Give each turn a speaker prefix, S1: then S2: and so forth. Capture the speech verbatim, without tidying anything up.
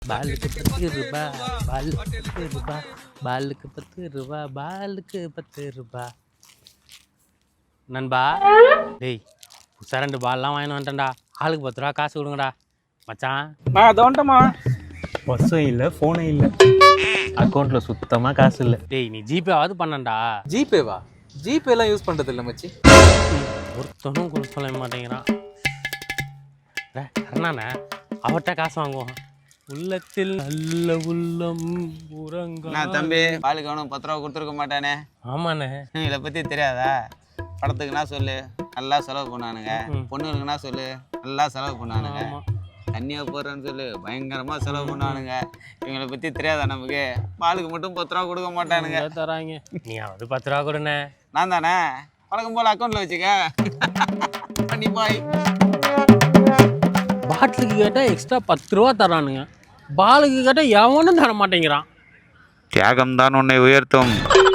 S1: பாலுக்கு பத்து ரூபா பாலுக்கு பத்து ரூபா பாலுக்கு பத்து ரூபா பாலுக்கு பத்து ரூபா. நண்பா டேய் புதுசாக ரெண்டு பால்லாம் வாங்கிட்டு வந்துட்டேன்டா. ஆளுக்கு பத்து ரூபா காசு கொடுங்கடா மச்சான்.
S2: நான் அதை வந்துட்டேம்மா.
S3: பஸ்ஸும் இல்லை ஃபோனும் இல்லை, அக்கௌண்ட்டில் சுத்தமாக காசு இல்லை.
S1: டேய் நீ ஜிபேவாவது பண்ணண்டா.
S2: ஜிபேவா? ஜிபேலாம் யூஸ் பண்ணுறது இல்லை மச்சி.
S1: ஒருத்தனும் கொடுக்க சொல்ல மாட்டேங்கிறான். அண்ணாண்ணே அவர்கிட்ட காசு வாங்குவான். உள்ளத்தில் நல்ல உள்ளம் உறங்க.
S4: நான் தம்பி பாலுக்கு அவனும் பத்து ரூபா கொடுத்துருக்க மாட்டானே.
S1: ஆமாண்ணே.
S4: இதை பற்றி தெரியாதா? படத்துக்குன்னா சொல்லு நல்லா செலவு பண்ணானுங்க, பொண்ணுங்களுக்குன்னா சொல்லு நல்லா செலவு பண்ணானுங்க, தண்ணியாக போடுறேன்னு சொல்லு பயங்கரமாக செலவு பண்ணானுங்க. இவங்களை பற்றி தெரியாதா நமக்கு? பாலுக்கு மட்டும் பத்து ரூபா கொடுக்க மாட்டானுங்க.
S1: தராங்க நீ அது பத்து ரூபா கொடுண்ணே.
S4: நான் தானே வழக்கம் போல் அக்கௌண்ட்டில் வச்சுக்க பண்ணி பாய்.
S1: பாட்டிலுக்கு கேட்டால் எக்ஸ்ட்ரா பத்து ரூபா தரானுங்க, பாலுக்கு கேட்டால் எவனும் தர மாட்டேங்கிறான்.
S4: தியாகம் தான் உன்னை உயர்த்தும்.